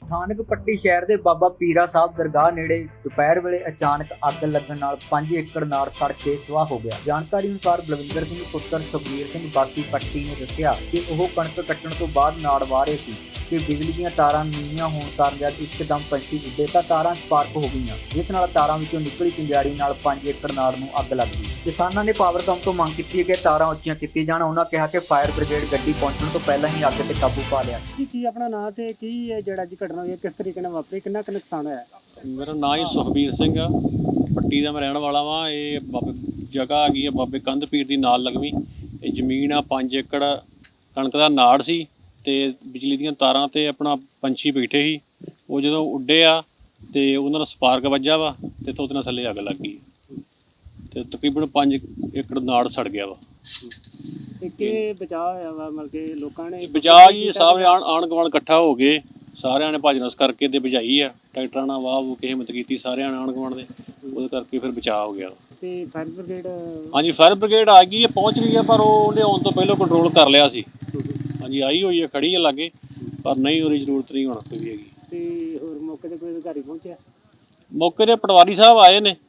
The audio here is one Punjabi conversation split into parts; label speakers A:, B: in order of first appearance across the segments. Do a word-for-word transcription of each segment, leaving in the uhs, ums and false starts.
A: ਸਥਾਨਕ ਪੱਟੀ ਸ਼ਹਿਰ ਦੇ ਬਾਬਾ ਪੀਰਾ ਸਾਹਿਬ ਦਰਗਾਹ ਨੇੜੇ ਦੁਪਹਿਰ ਵੇਲੇ ਅਚਾਨਕ ਅੱਗ ਲੱਗਣ ਨਾਲ ਪੰਜ ਏਕੜ ਨਾੜ ਸੜ ਕੇ ਸਵਾਹ ਹੋ ਗਿਆ। ਜਾਣਕਾਰੀ ਅਨੁਸਾਰ ਬਲਵਿੰਦਰ ਸਿੰਘ ਪੁੱਤਰ ਸੁਖਬੀਰ ਸਿੰਘ ਵਾਸੀ ਪੱਟੀ ਨੇ ਦੱਸਿਆ ਕਿ ਉਹ ਕਣਕ ਕੱਟਣ ਤੋਂ ਬਾਅਦ ਨਾੜ ਵਾਹ ਰਹੇ ਸੀ ਕਿ ਬਿਜਲੀ ਦੀਆਂ ਤਾਰਾਂ ਨੀਵੀਆਂ ਹੋਣ ਕਾਰਨ ਜਦ ਇੱਕਦਮ ਪੰਛੀ ਉੱਡੇ ਤਾਂ ਤਾਰਾਂ ਸਪਾਰਕ ਹੋ ਗਈਆਂ, ਜਿਸ ਨਾਲ ਤਾਰਾਂ ਵਿੱਚੋਂ ਨਿਕਲੀ ਚਿੰਗਾੜੀ ਨਾਲ ਪੰਜ ਏਕੜ ਨਾੜ ਨੂੰ ਅੱਗ ਲੱਗ ਗਈ। ਕਿਸਾਨਾਂ ਨੇ ਪਾਵਰਕਾਮ ਤੋਂ ਮੰਗ ਕੀਤੀ ਹੈ ਕਿ ਤਾਰਾਂ ਉੱਚੀਆਂ ਕੀਤੀਆਂ ਜਾਣ। ਉਹਨਾਂ ਕਿਹਾ ਕਿ ਫਾਇਰ ਬ੍ਰਿਗੇਡ ਗੱਡੀ ਪਹੁੰਚਣ ਤੋਂ ਪਹਿਲਾਂ ਹੀ ਅੱਗ ਤੇ ਕਾਬੂ ਪਾ ਲਿਆ।
B: ਕੀ ਕੀ ਆਪਣਾ ਨਾਂ ਤੇ ਕੀ ਹੈ ਜਿਹੜਾ ਅੱਜ ਘਟਨਾ ਹੋਈ ਹੈ, ਕਿਸ ਤਰੀਕੇ ਨਾਲ ਵਾਪਰੀ, ਕਿੰਨਾ ਕੁ ਨੁਕਸਾਨ ਹੋਇਆ?
C: ਮੇਰਾ ਨਾਂ ਹੀ ਸੁਖਬੀਰ ਸਿੰਘ ਆ, ਪੱਟੀ ਦਾ ਮੈਂ ਰਹਿਣ ਵਾਲਾ ਵਾਂ। ਇਹ ਬਾਬੇ ਜਗ੍ਹਾ ਹੈਗੀ ਆ ਬਾਬੇ ਕੰਧ ਪੀਰ ਦੀ ਨਾਲ ਲੱਗਵੀਂ। ਇਹ ਜ਼ਮੀਨ ਆ ਪੰਜ ਏਕੜ ਕਣਕ ਦਾ ਨਾੜ ਸੀ ਤੇ ਬਿਜਲੀ ਦੀਆਂ ਤਾਰਾਂ ਤੇ ਆਪਣਾ ਪੰਛੀ ਬੈਠੇ ਸੀ। ਉਹ ਜਦੋਂ ਉੱਡੇ ਆ ਤੇ ਉਹਨਾਂ ਦਾ ਸਪਾਰਕ ਵੱਜਾ ਵਾ ਤੇ ਉਹਦੇ ਨਾਲ ਥੱਲੇ ਅੱਗ ਲੱਗ ਗਈ ਤੇ ਤਕਰੀਬਨ ਪੰਜ ਏਕੜ ਨਾੜ ਸੜ ਗਿਆ ਵਾ।
B: ਤੇ ਕਿ ਬਚਾਅ ਹੋਇਆ ਵਾ, ਮਤਲਬ ਕਿ ਲੋਕਾਂ ਨੇ
C: ਬਚਾਅ ਜੀ ਸਾਰੇ ਆਣ ਆਣ ਗੁਆਂਢ ਇਕੱਠਾ ਹੋ ਗਏ, ਸਾਰਿਆਂ ਨੇ ਭੱਜ ਨੱਸ ਕਰਕੇ ਤੇ ਬੁਝਾਈ ਆ। ਟਰੈਕਟਰਾਂ ਨਾਲ ਵਾਹ ਵੂ ਕਿਸੇ ਹਿੰਮਤ ਕੀਤੀ ਸਾਰਿਆਂ ਨੇ ਆਣ ਗੁਆਂਢ ਦੇ, ਉਹਦੇ ਕਰਕੇ ਫਿਰ ਬਚਾਅ ਹੋ ਗਿਆ।
B: ਤੇ ਫਾਇਰ ਬ੍ਰਿਗੇਡ?
C: ਹਾਂਜੀ ਫਾਇਰ ਬ੍ਰਿਗੇਡ ਆ ਗਈ ਹੈ, ਪਹੁੰਚ ਗਈ ਹੈ, ਪਰ ਉਹ ਉਹਨੇ ਆਉਣ ਤੋਂ ਪਹਿਲਾਂ ਕੰਟਰੋਲ ਕਰ ਲਿਆ ਸੀ। ਹਾਂਜੀ ਆਈ ਹੋਈ ਹੈ, ਖੜੀ ਹੈ ਲਾਗੇ, ਪਰ ਨਹੀਂ ਉਹਦੀ ਜ਼ਰੂਰਤ ਨਹੀਂ ਹੁਣ ਕੋਈ ਵੀ ਹੈਗੀ।
B: ਤੇ ਹੋਰ ਮੌਕੇ ਤੇ ਕੋਈ ਅਧਿਕਾਰੀ ਪਹੁੰਚਿਆ?
C: ਮੌਕੇ ਤੇ ਪਟਵਾਰੀ ਸਾਹਿਬ ਆਏ ਨੇ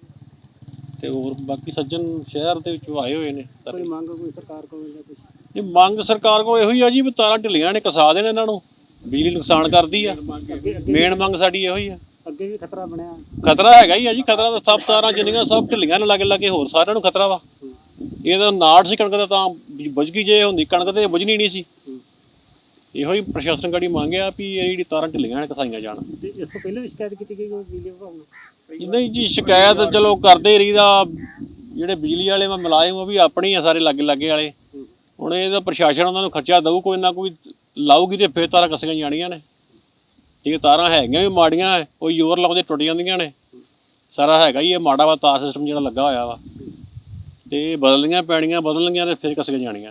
C: ਤੇ ਹੋਰ ਬਾਕੀ ਸੱਜਣ ਸ਼ਹਿਰ ਦੇ ਵਿੱਚ ਆਏ ਹੋਏ ਨੇ।
B: ਕੋਈ ਮੰਗ ਕੋਈ ਸਰਕਾਰ ਕੋਲ ਜਾਂ ਕੁਛ?
C: ਇਹ ਮੰਗ ਸਰਕਾਰ ਕੋਲ ਇਹੋ ਹੀ ਆ ਜੀ ਵੀ ਤਾਰਾਂ ਢਿੱਲੀਆਂ ਨੇ, ਕਸਾ ਦੇਣ ਇਹਨਾਂ ਨੂੰ, ਬਿਜਲੀ ਨੁਕਸਾਨ ਕਰਦੀ ਆ। ਮੇਨ ਮੰਗ ਸਾਡੀ ਇਹੋ ਹੀ ਆ।
B: ਅੱਗੇ ਵੀ ਖਤਰਾ ਬਣਿਆ?
C: ਖਤਰਾ ਹੈਗਾ ਹੀ ਆ ਜੀ, ਖਤਰਾ ਤਾਂ ਸਭ ਤਾਰਾਂ ਜਿੰਨੀਆਂ ਸਭ ਢਿੱਲੀਆਂ ਨੇ ਲਾਗੇ ਲਾਗੇ, ਹੋਰ ਸਾਰਿਆਂ ਨੂੰ ਖਤਰਾ ਵਾ। ਇਹ ਤਾਂ ਨਾੜ ਸੀ ਕਣਕ ਦਾ, ਤਾਂ ਬੁਝ ਗਈ। ਜੇ ਹੁੰਦੀ ਕਣਕ ਤੇ ਬੁਝਣੀ ਨਹੀਂ ਸੀ। ਇਹੋ ਹੀ ਪ੍ਰਸ਼ਾਸਨ ਗਾੜੀ ਮੰਗਿਆ ਵੀ ਇਹ ਜਿਹੜੀ ਤਾਰਾਂ ਢਿੱਲੀਆਂ ਨੇ ਕਸਾਈਆਂ ਜਾਣ।
B: ਤੇ ਇਸ ਤੋਂ ਪਹਿਲਾਂ ਵੀ ਸ਼ਿਕਾਇਤ ਕੀਤੀ ਗਈ ਬਿਜਲੀ ਵਿਭਾਗ ਨੂੰ?
C: ਨਹੀਂ ਜੀ ਸ਼ਿਕਾਇਤ ਚਲੋ ਕਰਦੇ ਹੀ ਰਹੀਦਾ। ਜਿਹੜੇ ਬਿਜਲੀ ਵਾਲੇ ਮੈਂ ਮੁਲਾਜ਼ਮ ਉਹ ਵੀ ਆਪਣੇ ਹੀ ਆ ਸਾਰੇ ਲਾਗੇ ਲਾਗੇ ਵਾਲੇ। ਹੁਣ ਇਹਦਾ ਪ੍ਰਸ਼ਾਸਨ ਉਹਨਾਂ ਨੂੰ ਖਰਚਾ ਦਊ, ਕੋਈ ਨਾ ਕੋਈ ਲਾਊਗੀ ਤੇ ਫਿਰ ਤਾਰਾਂ ਕੱਸੀਆਂ ਜਾਣੀਆਂ ਨੇ। ਠੀਕ ਤਾਰਾਂ ਹੈਗੀਆਂ ਵੀ ਮਾੜੀਆਂ, ਕੋਈ ਜ਼ੋਰ ਲਾਉਂਦੇ ਟੁੱਟ ਜਾਂਦੀਆਂ ਨੇ। ਸਾਰਾ ਹੈਗਾ ਹੀ ਇਹ ਮਾੜਾ ਵਾ ਤਾਰ ਸਿਸਟਮ ਜਿਹੜਾ ਲੱਗਾ ਹੋਇਆ ਵਾ, ਤੇ ਬਦਲਣੀਆਂ ਪੈਣੀਆਂ, ਬਦਲਣੀਆਂ ਤੇ ਫਿਰ ਕੱਸੀਆਂ ਜਾਣੀਆਂ।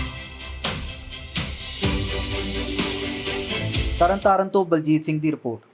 A: ਤਰਨਤਾਰਨ ਤੋਂ ਬਲਜੀਤ ਸਿੰਘ ਦੀ ਰਿਪੋਰਟ।